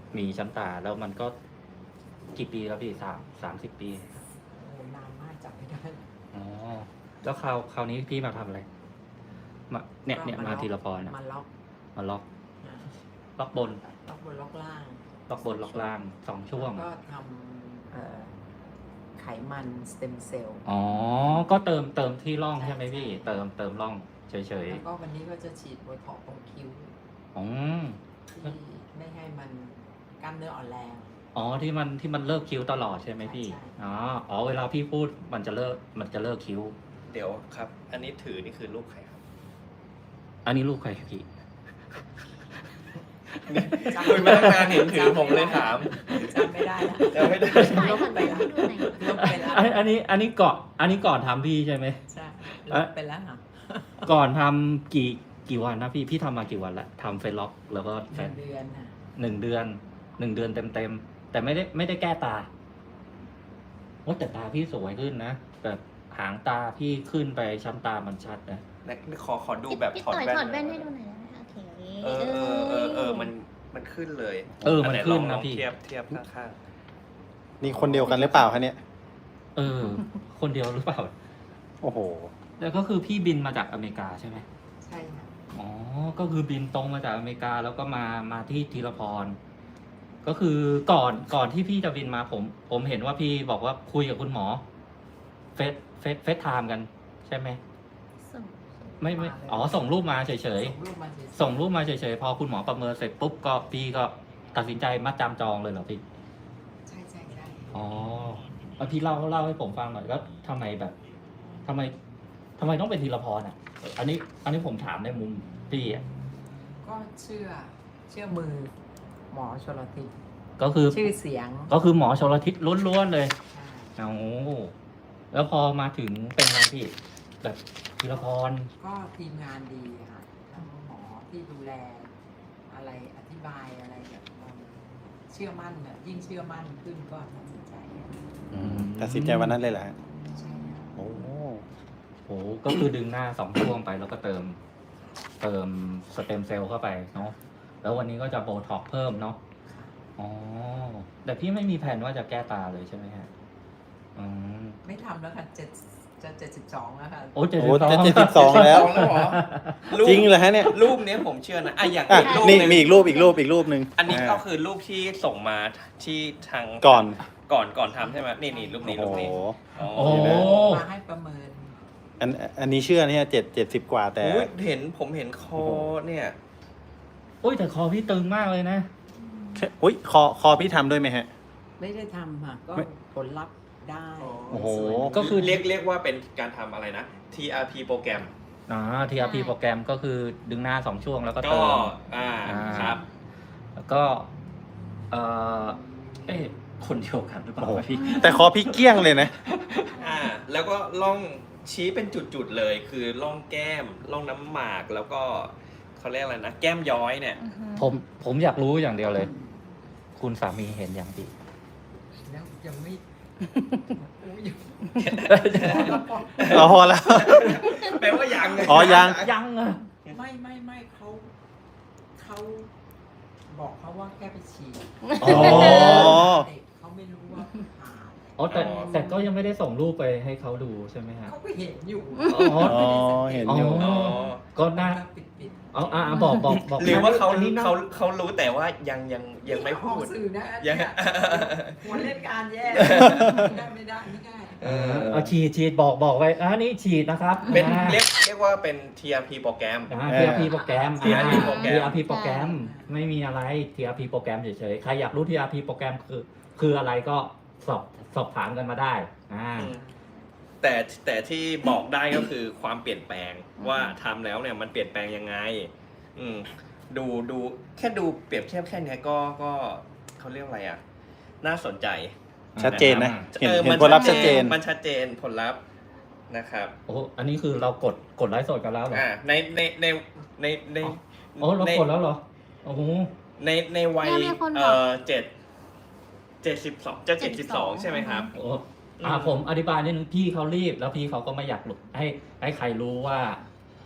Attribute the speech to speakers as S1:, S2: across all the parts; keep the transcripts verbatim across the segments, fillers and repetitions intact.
S1: มีชั้นตาแล้วมันก็กี่ปีแล้วพี่สามสามสิบปี
S2: โอ้นานมากจำไม่ได้
S1: อ๋อแล้วคราวคราวนี้พี่มาทำอะไรมาเนี่ยเนี่ยมาทีละพรน่ะ
S2: มาล็อก
S1: มาล็อก
S2: อ่า
S1: ล็อกบน
S2: ล็อกบนล็อกล่าง
S1: ล็อกบนล็อกล่างสองช่วง
S2: แล้วก็ทำเอ่อไขมันสเต็มเซลล์
S1: อ๋อก็เติมเติมที่ร่องใช่ไหมพี่เติมเติมร่องเฉย
S2: แล้วก็วันนี้ก็จะฉีดโบท็อกซ์ตรงคิ้ว
S1: ๆอ๋อ
S2: ที่ไม่ให้มันกล้ามเนื้ออ่อนแรง
S1: อ๋อที่มันที่มันเลิกคิ้วตลอดใช่ไหมพี่
S2: ใช่ใช่
S1: อ๋ออ๋อเวลาพี่พูดมันจะเลิกมันจะเลิกคิ้ว
S3: เดี๋ยวครับ อันนี้ถือนี่คือลูกใครครับ
S1: อันนี้ลูกใครพี่
S3: คุยมาตั้งนานเห็นถือผมเลยถาม
S2: จำไม่ได้ละ
S3: จำไม่ได้
S4: ถ่ายหันไปให้ดูหน่อย
S2: ลบไปแล้ว
S1: อันอันนี้อันนี้ก่อนอันนี้ก่อนทำพี่ใช่ไหม
S2: ใช่ลบไปแล้วค่ะ
S1: ก่อนทำกี่กี่วันนะพี่พี่ทำมากี่วันละทำเฟซล็อกแล้วก็
S2: ห
S1: แฟ
S2: นึ่
S1: น
S2: งเดือนค่ะ
S1: หนึ่งเดือนหนึ่งเดือนเต็มเต็มๆแต่ไม่ได้ไม่ได้แก้ตาโอ้แต่ตาพี่สวยขึ้นนะแบบหางตาพี่ขึ้นไปชั้นตามันชัดนะ
S3: และขอขอดูแบบ
S4: พี่
S3: ถอด
S4: ต่อย
S3: แว่น
S4: ถอดแว่นให้ดูหน่อยได้ไหมคะโอเค
S3: เออเออเออเออมันมันขึ้นเลย
S1: เออมัน
S3: ไห
S1: ขึ้น
S3: ล
S1: นะ
S3: อง
S1: พี่
S3: เทียบเทียบข้าง
S5: นี่คนเดียวกันหรือเปล่าคะเนี่ย
S1: เออ คนเดียวหรือเปล่า
S5: โอ้โห
S1: แล้วก็คือพี่บินมาจากอเมริกาใช่ไหม
S2: ใช่ค่ะ
S1: อ๋อ ก็คือบินตรงมาจากอเมริกาแล้วก็มามาที่ธีรพร ก็คือก่อนก่อนที่พี่จะบินมาผม ผมเห็นว่าพี่บอกว่าคุยกับคุณหมอ เฟซเฟซเฟซไทม์กัน ใช่ไหม
S4: ส่ง
S1: ไม่ไม่อ๋อส่งรูปมาเฉย
S2: ส่งรูปมาเฉย
S1: ๆ
S2: ๆ
S1: ส่งรูปมาเฉยๆ พอคุณหมอประเมินเสร็จปุ๊บก็พี่ก็ตัดสินใจมัดจำจองเลยเหรอพี่
S2: ใช่ใช่ใช่
S1: อ๋อเอาพี่เล่าเล่าให้ผมฟังหน่อยว่าทำไมแบบทำไมทำไมต้องเป็นธีรพรอ่ะ อันนี้ อันนี้ผมถามในมุมพี่อ่ะ
S2: ก็เชื่อเชื่อมือหมอชลทิศ
S1: ก็คือ
S2: ชื่อเสียง
S1: ก็คือหมอชลทิศล้วนๆเลย
S2: ใช่
S1: เอาแล้วพอมาถึงเป็นไงพี่ แบบธีรพร
S2: ก็ทีมงานดีค่ะทั้งหมอที่ดูแลอะไรอธิบายอะไรแบบมันเชื่อมั่นเนี่ยยิ่งเชื่อมั่นขึ้นก็ตัดสินใจ
S1: อืม
S5: ตัดสินใจวันนั้นเลยเหรอฮะ
S2: ใช่ค่ะ
S5: โอ้
S1: โหก็คือดึงหน้าสองช่วงไปแล้วก็เติม เติมสเต็มเซลล์เข้าไปเนาะแล้ววันนี้ก็จะโบท็อกซ์เพิ่มเนาะอ๋อแต่พี่ไม่มีแผนว่าจะแก้ตาเลยใช่ไหมฮะอืม
S2: ไม่ทำแล้วค่ะเจ็ดจะเจ็ดสิบสองแล้วค่ะ
S1: โอ้เจ็ด
S5: โห
S1: สิบสอง
S5: จะเจ็ดสิบสองแล้ว
S3: ๆแล้วเหรอรูป
S5: จริงเหรอฮะเนี่ย
S3: รูปเนี้ยผมเชื่อนะอ่ะอย่าง
S5: อ่ะ
S3: อีกรูป
S5: นี่
S3: หนึ่ง
S5: มีอีกรูปอีกรูปอีกรูปหนึ่ง
S3: อันนี้ก็
S5: า
S3: คือรูปที่ส่งมาที่ทาง
S5: ก่อน
S3: ก่อนก่อนทำใช่ไหมนี่นี่รูปนี้
S5: โอ้
S3: รูป
S5: โห
S3: นี้อ๋อ
S1: โอ้
S2: มาให้ประเมิน
S5: อันอันนี้เชื่อเนี่ยเจ็ดเจ็ดสิบกว่าแต่
S3: อุ๊ยเห็นผมเห็นคอ
S5: โอ้โห
S3: เนี่ย
S1: โอ้ยแต่คอพี่ตึงมากเลยนะ
S5: อุ้ยคอคอพี่ทำด้วยไหมฮะ
S2: ไม่ได้ทำค่ะก็
S5: ไม่
S2: ผลลัพธ์ได้
S5: โอ้โห
S2: สวย
S1: ก็คือ
S3: เรียกเรียกว่าเป็นการทำอะไรนะ ที อาร์ พี โปรแกรม
S1: อ่า ที อาร์ พี โปรแกรมก็คือดึงหน้าสองช่วงแล้วก็
S3: ก็
S1: เติม
S3: อ่า
S1: อ่า
S3: ครับ
S1: แล้วก็ เออเอ๊ะคนเดียวกันหรือเปล่า
S5: โอ้โห
S1: วะพี่
S5: แต่คอพี่เกลี้ยงเลยนะ
S3: อ่าแล้วก็ล่องชี้เป็นจุดๆเลย คือล่องแก้มล่องน้ำหมากแล้วก็เขาเรียกอะไรนะ แก้มย้อยเนี่ย
S4: อือฮึ
S1: ผมผมอยากรู้อย่างเดียวเลย คุณสามีเห็นอย่างพี่
S2: แล้วยังไม่โอ้ยยัง
S5: อ๋อพอแล้ว
S3: แปลว่ายัง
S5: อ๋อยัง
S1: ยังอ่ะ
S2: ไม่ไม่ไม่เขาเขาบอกเขาว่าแค่ไปฉีด
S1: อ๋อ
S2: เด็กเขาไม่รู้ว่าผ่า
S1: อ๋อแต่แต่ก็ยังไม่ได้ส่งรูปไปให้เขาดูใช่ไหมฮะ
S2: เขาก็เห็นอยู่
S1: อ๋อ
S5: อ๋อเห็นอยู่
S1: อ๋อ ก็น่า
S2: ปิดปิด
S1: เอาอ่าบอกบอกบอก
S3: หรือว่าเขา
S1: อันนี้น่
S3: เขาเขารู้แต่ว่ายังยังยังไม่พูด
S2: ออกสื่อนะ
S3: ยัง
S2: เนี่ยหัวเล่นการแย่ไม่ได้ไม่ได้ไม่ได้
S1: เออเอาฉีดฉีดบอกบอกไว้อ่านี่ฉีดนะครับ
S3: เป็น
S1: อ่า
S3: เรียกเรียกว่าเป็น ที อาร์ พี โปรแกรม
S1: อ่า ที อาร์ พี โปรแกรม
S3: ที อาร์ พี โปรแกรม
S1: ที อาร์ พี โปรแกรม ไม่มีอะไร ที อาร์ พี โปรแกรมเฉยๆ ใครอยากรู้ ที อาร์ พี โปรแกรมคือ คืออะไรก็สอบสอบถามกันมาได้ อ่า
S3: แต่แต่ที่บอกได้ก็คือความเปลี่ยนแปลงว่าทำแล้วเนี่ยมันเปลี่ยนแปลงยังไง อืมดูดูแค่ดูเปรียบเทียบแค่เนี้ยก็ก็เขาเรียกอะไรอ่ะ น่าสนใจ
S5: ชัดเจนนะ เห็น
S3: ออ
S5: เห็น
S3: มั
S5: ผลลัพธ์ชัดเจน
S3: มันชัดเจนผลลัพธ์นะครับ
S1: โอ้ อันนี้คือเรากดกดไลฟ์สดกันแล้วเหรอ
S3: อ่าในในในในใน
S1: อ๋อเรา
S3: ใน
S1: กดแล้วเหรอ โอ้โห
S3: ในในวัย
S4: เนี่ยมีคนบ
S3: เอ่
S4: อก
S3: อเจ็ดเจ็ดสิบสองจะเจ็ดสิบสองใช่ไหมครับ
S1: โอ้อ่าผมอธิบายนิดนึงพี่เขารีบแล้วพี่เขาก็ไม่อยากหลุดให้ให้ใครรู้ว่า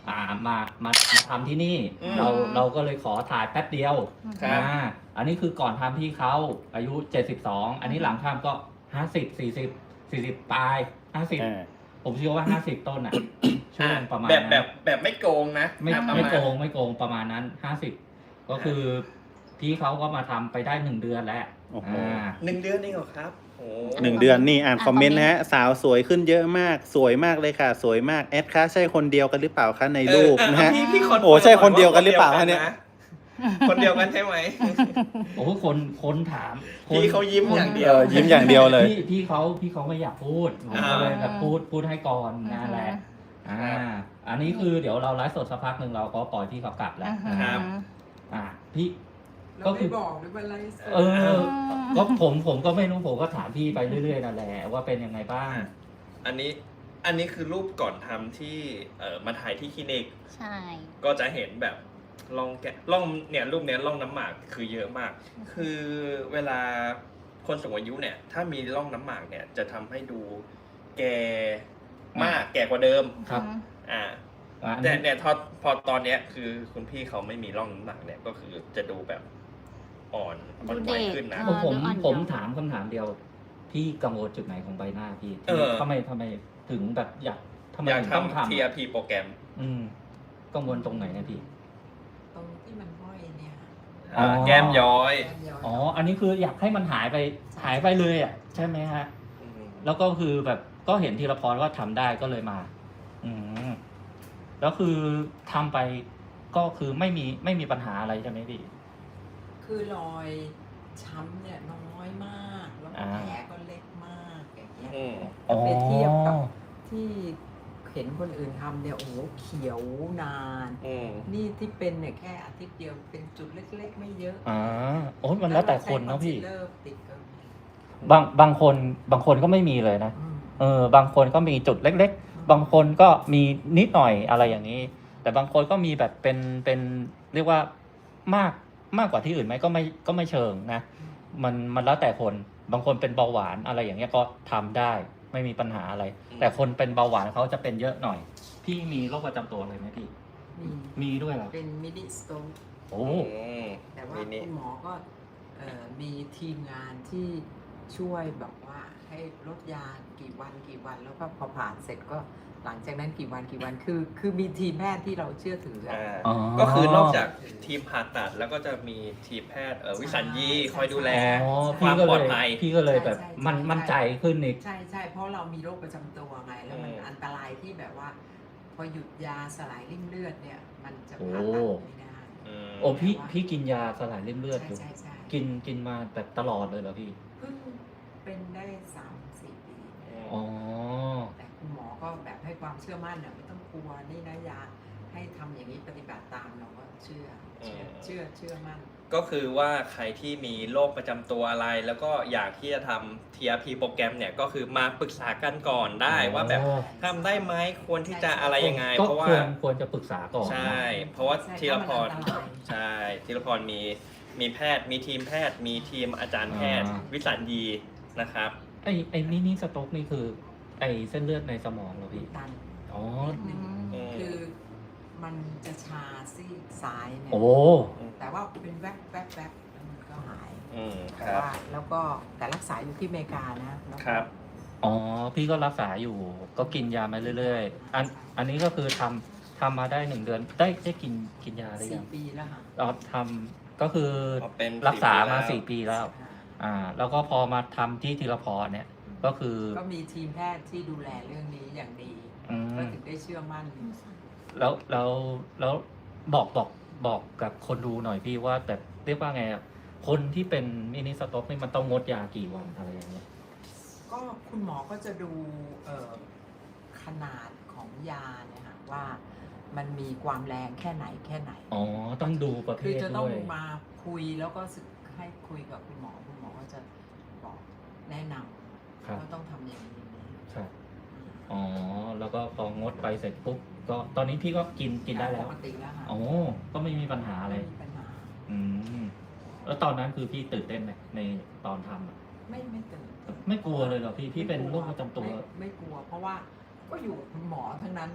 S1: อ่ามามามาทำที่นี่
S3: อืม
S1: เราเราก็เลยขอถ่ายแป๊บเดียว
S3: ครับ
S1: อ่าอันนี้คือก่อนทำพี่เขาอายุเจ็ดสิบสองอันนี้หลังทำก็ห้าสิบสี่สิบสี่สิบปลายห้าสิบ
S5: อ่า
S1: ผมเชื่อว่าห้าสิบต้นอ่ะ ช่วงประมาณ
S3: แบบ
S1: นั้น
S3: แบบแบบไม่โกงนะ
S1: ไม่
S3: อ่ะประาณ
S1: ไม่โกงไม่โกงประมาณนั้นห้าสิบก็คือพี่เขาก็มาทำไปได้หนึ่งเดือนแล้ว
S5: โอ้โห
S1: อ่า
S3: หนึ่งเดือนนี่เหรอครับโอ้
S5: หนึ่งเดือนนี่อ่านคอมเมนต์นะฮะ สาวสวยขึ้นเยอะมาก สวยมากเลยค่ะ สวยมากแอดคะใช่คนเดียวกันหรือเปล่าคะในรูป
S3: เออ
S5: นะฮะ
S3: พี่พี่คอน
S5: โอ้ใช่คนเดียวกันหรือเปล่าคะเนี่ย
S3: คนเดียวกันใช่ไหม
S1: โอ้โหคนคนถามคน
S3: พี่เขายิ้มอย่างเดียว
S5: เออยิ้มอย่างเดียวเลย
S1: พี่พี่เขาพี่เขาไม่อยากพูดผมก็เลยแบบพูดพูดให้ก่อนนั่นแหละอ่า อันนี้คือเดี๋ยวเราไลฟ์สดสักพักหนึ่งเราก็ปล่อยพี่เขากลับแล้ว
S3: ครับ
S1: อ่าพี่
S2: เรา
S1: ก็คื
S2: ไม่
S1: อ
S2: บอกหรือว่าอะไรสด
S1: เออ ก็ผมผมก็ไม่รู้ผมก็ถามพี่ไปเรื่อยๆนั่นแหละว่าเป็นยังไงบ้าง
S3: อันนี้อันนี้คือรูปก่อนทำที่เอ่อมาถ่ายที่คลินิก
S4: ใช่
S3: ก็จะเห็นแบบร่องแกะร่องเนี่ยรูปเนี้ยร่องน้ำหมากคือเยอะมาก คือเวลาคนสูงอายุเนี่ย ถ้ามีร่องน้ำหมากเนี่ย จะทำให้ดูแก่มากแก่กว่าเดิม
S1: ครับ
S3: อ่า
S1: อ่าอัน
S3: แต่
S1: นี้
S3: เนี่ยพอพอตอนเนี้ยคือคุณพี่เขาไม่มีร่องน้ำหนักเนี่ยก็คือจะดูแบบอ่อนอ่อนไหวขึ้นนะ
S4: เอ
S1: ผม
S4: อ
S1: ผม
S4: ดูอ่อน
S1: ผม
S4: เยาว์
S1: ถามคำถามเดียว พี่กังวลจุดไหนของใบหน้าพี่
S3: เออ
S1: ทำไมทำไมถึงแบบอยากทำไม
S3: อยาก
S1: ถึงต้อง
S3: ทำ
S1: ทำ
S3: ที อาร์ พี โปรแกรม
S1: อืมกังวลตรงไหนนะพี่
S2: ตรงที่มันห้อยเนี่ย
S1: อ๋อ
S3: แก้มย้อย
S2: แก้มย้อย
S1: อ๋อ อันนี้คืออยากให้มันหายไปหายไปเลยอ่ะใช่ไหมฮะ
S3: ม
S1: แล้วก็คือแบบก็เห็นธีรพรว่าทำได้ก็เลยมา อืมแล้วคือทำไปก็คือไม่มีไม่มีปัญหาอะไรใช่ไหมพี่
S2: คือรอยช้ำเนี่ยน้อยมาก แล้ว
S1: อ่า
S2: แผลก็เล็กมากอย่างเงี้ย
S3: อืม
S2: ถ้าไปเทียบกับที่เห็นคนอื่นทำเนี่ยโอ้โหเขียวนาน
S3: อืม
S2: นี่ที่เป็นเนี่ยแค่อาทิตย์เดียวเป็นจุดเล็กๆ ไม่เยอะ
S1: อ่าโอ้ยมันแล้วแต่คนเนาะพี่
S2: เลิกติดก็มี
S1: บางบางคนบางคนก็ไม่มีเลยนะ
S2: อืม
S1: เออบางคนก็มีจุดเล็ก ๆ บางคนก็มีนิดหน่อยอะไรอย่างนี้ แต่บางคนก็มีแบบเป็นเป็นเรียกว่ามากมากกว่าที่อื่นไหมก็ไม่ก็ไม่เชิงนะ มันมันแล้วแต่คนบางคนเป็นเบาหวานอะไรอย่างเงี้ยก็ทำได้ไม่มีปัญหาอะไร
S3: อืม
S1: แต่คนเป็นเบาหวานเขาจะเป็นเยอะหน่อย พี่มีโรคประจำตัวอะไรไหมพี่
S2: มี
S1: มีด้วยเหรอ
S2: เป็นมินิสโตน
S1: โอ้
S3: อืม
S2: แต่ว่า
S3: มินิ
S2: คุณหมอก็เอ่อมีทีมงานที่ช่วยแบบว่าให้ลดยากี่วันกี่วัน แล้วก็พอผ่านเสร็จก็หลังจากนั้นกี่วันกี่วันคือ คือมีทีมแพทย์ที่เราเชื่อถืออะ
S3: อ่า
S1: อ๋อ
S3: ก็คือนอกจากทีมผ่าตัดแล้วก็จะมีทีมแพทย์เอ่อวิสัญญี
S2: ใช่
S3: คอยดูแล
S1: อ๋อ
S3: ค
S1: พี่
S3: วาม
S1: ก็
S3: ปล
S1: เล
S3: อด
S1: ย
S3: ภัย
S1: พี่ก็เลยแบบ
S2: ใช่ใช่
S1: มัน
S2: ใช่
S1: มั่นใจขึ้นอีก
S2: ใช่ใช่เพราะเรามีโรคประจำตัวไงแล้วมัน
S3: อืม
S2: อันตรายที่แบบว่า พอหยุดยาสลายริ่มเลือดเนี่ย มันจะ
S1: โอ้
S2: ผ่าตัดไม่ได้
S3: อืม
S1: โอ้พี่พี่กินยาสลายริ่มเลือดอยู่
S2: ใช่ใช่ใช่
S1: กินกินมาแบบตลอดเลยเหรอพี่
S2: เพิ่งเป็นได้สามสี่ปี
S1: อ๋อ
S2: แต่คุณหมอก็แบบให้ความเชื่อมั่นอ่ะไม่ต้องกลัวนี่นะยาให้ทำอย่างนี้ปฏิบัติตามเราก็เชื่อเชื่อเชื่อเชื่อมั่น
S3: ก็คือว่าใครที่มีโรคประจำตัวอะไร แล้วก็อยากที่จะทำ ที อาร์ พี โปรแกรมเนี่ยก็คือมาปรึกษากันก่อนได้ว่าแบบทำได้ไหมควรที่จะอะไรยังไง
S1: ก็
S3: เพราะว่า
S1: ควรควรจะปรึกษาก่อน
S3: ใช่
S1: นะ
S3: เพราะว่า
S2: ใช่
S3: ธีรพร
S2: ถ้ามันอันตราย
S3: ใช่ธีรพรมีมีแพทย์ มีทีมแพทย์ มีทีมอาจารย์แพทย์
S1: อ่า
S3: วิสัญญีนะครับ
S1: ไอไอมินิสโต๊กนี่คือ ไอเส้นเลือดในสมองเหรอพี่
S2: ตัน
S1: อ๋อ
S2: นิดนึง
S3: อืม
S2: คือมันจะชาซีกซ้ายเนี่ย
S1: โอ้
S2: แต่ว่าเป็นแวบแวบแวบแล้วมันก็หาย
S3: อืมค
S2: แต่
S3: รับ
S2: ว่าแล้วก็แต่รักษาอยู่ที่อเมริกานะแล้วก็
S3: ครับ
S1: อ๋อ พี่ก็รักษาอยู่ ก็กินยามาเรื่อยๆ อัน อันนี้ก็คือทำทำมาได้หนึ่งเดือน ได้ได้กินกินยาหรือ
S2: สี่
S1: ยัง
S2: ปีแล้วค่ะ
S1: เราทำก็คือ
S3: อ๋อเป็น
S1: รักษามา
S3: สี่
S1: สี่
S3: ปี
S1: ปี
S3: แล้
S1: แล้ว ว อ่า แล้วก็พอมาทำที่ธีรพรเนี่ย ก็คือ
S2: ก็มีทีมแพทย์ที่ดูแลเรื่องนี้อย่างดี
S1: อื
S2: ก็
S1: ม
S2: ถึงได้เชื่อมั่น
S1: แล้วแล้วแล้วบอกบอกบอกกับคนดูหน่อยพี่ว่าแบบเรียกว่าไงอะคนที่เป็นมินิสต็อกนี่มันต้องงดยากี่วันอะไรอย่างเงี้ย
S2: ก็คุณหมอก็จะดูเอ่อขนาดของยาเนี่ยค่ะว่ามันมีความแรงแค่ไหนแค่ไหน
S1: อ๋อ ต้องดูประเภ
S2: คือ
S1: ท
S2: จะต้อ
S1: ด้
S2: ง
S1: วย
S2: มาคุยแล้วก็สึกให้คุยกับคุณหมอคุณหมอก็จะบอกแนะน
S1: ครับ
S2: ำว่าต้องทำอย่างนี้อย่างนี้
S1: ครับ อ๋อ แล้วก็พองดไปเสร็จปุ๊บ ก็ตอนนี้พี่ก็กินกินได้แล้ว
S2: ปกติแล้วค่ะ
S1: อ๋อ ก็ไม่มีปัญหาอะไร
S2: ไม่มีปัญหา
S1: อืม แล้วตอนนั้นคือพี่ตื่นเต้นไหมในตอนทำอะ
S2: ไม่ไม่ตื่น
S1: ไม่กลัวเลยเหรอพี่ พี่เป็นโรคประจำตัว
S2: ไม่ไม่กลัว เพราะว่าก็อยู่กับคุณหมอทั้งนั้นน่ะ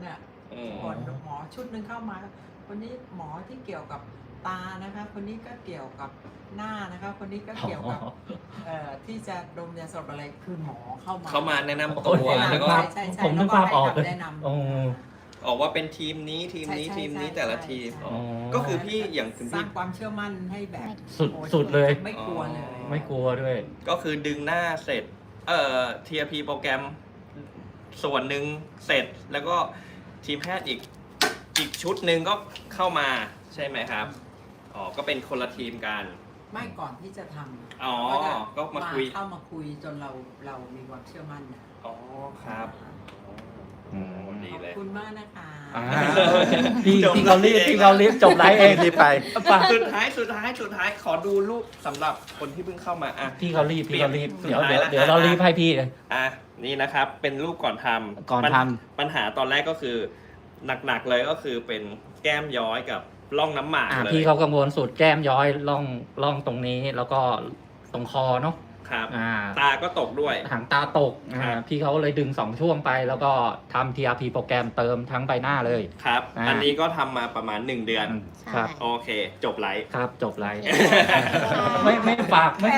S3: อืม
S2: คนหมอชุดหนึ่งเข้ามา คนนี้หมอที่เกี่ยวกับตานะคะ คนนี้ก็เกี่ยวกับหน้านะคะ คนนี้ก็เกี่ยวกับเอ่อที่จะดมยาสลบอะไรคือหมอเข้ามา
S3: เข้ามาแนะนำ
S1: โอ้
S3: ตั
S1: โห
S3: ว
S2: แนะนำ
S3: แล้วก็
S2: ใช่ใช่ใช่
S1: ผมนึกภาพออกเลย
S2: แนะนำ
S1: โอ้
S3: ออกว่าเป็นทีมนี้ทีมนี้
S2: ใช่ใช่
S3: ทีมนี้
S2: ใช่
S3: แต่ละ
S2: ใช่
S3: ทีม
S2: ใช่
S3: อ๋อก็คือพี่อย่างคุณ
S2: สร้า
S3: พี่
S2: งความเชื่อมั่นให้แบบ
S1: สุด
S2: โอ้
S1: สุดเลย
S2: ไม่กลัวเลย
S1: ไม่กลัวด้วย
S3: ก็คือดึงหน้าเสร็จ เอ่อ ที อาร์ พี โปรแกรมส่วนหนึ่งเสร็จ แล้วก็ทีมแพทย์อีกอีกชุดหนึ่งก็เข้ามาใช่ไหมครับ อ๋อ ก็เป็นคนละทีมกัน
S2: ไม่ก่อนที่จะทำ
S3: อ๋อ
S2: ก็จะ
S3: ก็มาคุย
S2: เข้ามาคุยจนเราเรามีความเชื่อมั่นนะ
S3: อ๋อครับ
S1: อืม
S3: ดี
S2: ขอบ
S3: เลย
S2: คุณมากนะคะ
S1: อ่าพี่
S3: จบ
S1: พี่เขารีบ
S3: ไลฟ์เอง
S1: พี่เขารีบจบไลฟ์เอง
S5: รีบไป
S1: ป่ะ
S3: สุดท้ายสุดท้ายสุดท้ายขอดูรูปสำหรับคนที่เพิ่งเข้ามาอ่ะ
S1: พี่เขารีบพี่เขารีบ
S3: สุด
S1: เดี๋ยว
S3: ท้าย
S1: เดี๋ยว
S3: แล้ว
S1: เดี๋ยวเรา
S3: อ่ะ
S1: รีบให้พี่เลย
S3: อ่ะนี่นะครับ เป็นรูปก่อนทำ
S1: ก่อน
S3: ปัญ
S1: ท
S3: ปัญหาตอนแรกก็คือ หนักๆเลยก็คือเป็นแก้มย้อยกับร่องน้ำหมาก
S1: อ่า
S3: เลย
S1: พี่เขากังวลสุดแก้มย้อยล่องล่องตรงนี้แล้วก็ตรงคอเนาะ
S3: ครับ
S1: อ่า
S3: ตาก็ตกด้วย
S1: หางตาตกอ่า
S3: ครับ
S1: พี่เขาเลยดึงสองช่วงไป แล้วก็ทำ ที อาร์ พี โปรแกรมเติมทั้งใบหน้าเลย
S3: ครับ
S1: อ่า
S3: อันนี้ก็ทำมาประมาณหนึ่งเดือน
S1: อืม
S4: ใช่
S1: ครับ
S3: โอเค จบไลฟ์
S1: ครับจบไลฟ์
S4: ใช่
S1: ไม่ไม่ฝากไม่